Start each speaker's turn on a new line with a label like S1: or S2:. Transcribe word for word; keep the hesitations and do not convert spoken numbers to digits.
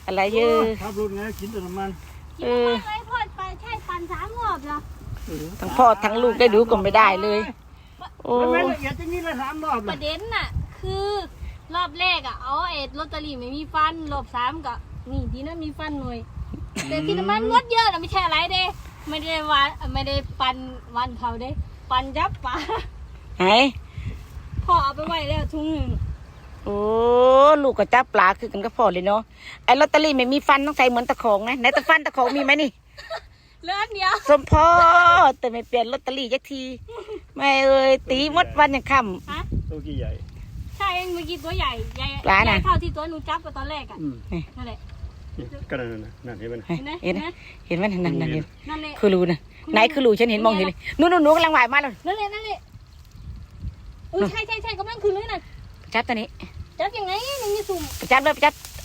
S1: อะไรเยอะ
S2: ขับรถไงกินแต่น้ำมัน
S3: เออไอ้พ่อไปใช่ปั่นสามรอบเหรอ
S1: ทั้งพ่อทั้งลูกได้ดูก็ไม่ได้เลยโอ้
S2: ไม่ละเอียดจะนี่ละสามรอบ
S3: ประเด็นน่ะคือรอบแรกอ่ะเอาเอ็ดลอตเตอรี่ไม่มีฟันรอบสามก็นี่ที่นั่นมีฟันหน่อยแต่ที่น้ำมันงดเยอะนะไม่ใช่อะไรเด้ไม่ได้วันไม่ได้ปันวันเขาเด้ปันยับปลา
S1: ไหน
S3: พ่อเอาไปไว้แล้วทุ่งหนึ่ง
S1: โอ้ลูกก็จับปลาคือกันก็พอเลยเนาะไอ้ลอตเตอรี่ไม่มีฟันต้องใส่เหมือนตะของนะไหนตะฟันตะของมีไหมนี่
S3: เลือดเดียว
S1: สมพ่อแต่ไม่เปลี่ยนลอตเตอรี่ยักทีไม่เอ้ยตีมดวันยังค่
S2: ำตัวกี่ใหญ่
S3: ใช่เมื่อกี้ตัวใหญ่ใหญ่
S1: ปลาน่ะ
S3: เท่าที่ตัวหนูจับไปตอนแรกอ่ะนั่นแหละ
S2: ก็นั่นน่ะนั่นเห็นไหม
S1: เห็นไหมเห็นไหมนั่นนั่นเห็น
S3: นั่นแหละ
S1: คือรูนะไหนคือรูฉันเห็นมองเห็นเลยนู้นนู้นนู้นกำลังว่ายมาเลย
S3: นั่นแหละนั่นแหละเออใช่ใช่ใช่กำลังคือเลยน่ะ
S1: จับตัวนี้
S3: จับยังไงยังมีสุ่ม
S1: จับเลยจับ